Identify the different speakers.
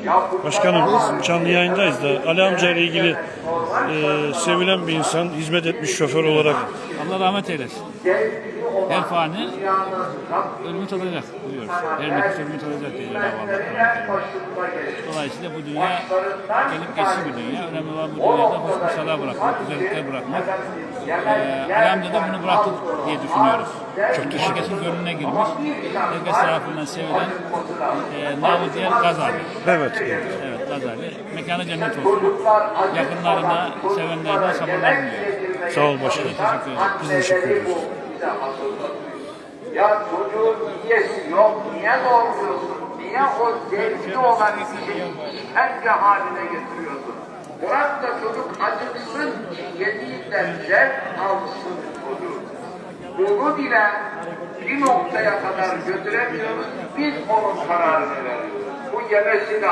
Speaker 1: Başkanım, canlı yayındayız da Ali amca ile ilgili sevilen bir insan, hizmet etmiş şoför olarak.
Speaker 2: Allah rahmet eylesin. Her fani ölümü tadacak buyuruyoruz. Her nefis ölümü tadacak diye Cenab-ı Allah. Dolayısıyla bu dünya gelip geçici bir dünya. Önemli olan bu dünyada hoş bir bırakmak, güzellikler bırakmak. Ali amca da bunu bıraktı diye düşünüyoruz. Çok herkesin gönlüne girmiş. Herkes tarafından sevilen namı diğer Gazali.
Speaker 1: Evet.
Speaker 2: Evet, Gazali. Mekanı cennet olsun. Yakınlarına, sevenlerine sabırlar diliyoruz.
Speaker 1: Sağ ol başkanım.
Speaker 2: Teşekkür ederim.
Speaker 1: Biz teşekkür ederiz.
Speaker 3: Ya çocuğun niyesi yok, niye doğuruyorsun? Niye o zevkli olan işi işkence haline getiriyorsun? Bırak da çocuk acıksın, yediğinden zevk alsın çocuk. Bunu bile bir noktaya kadar götüremiyoruz, biz onun kararını veriyoruz. Bu yemesi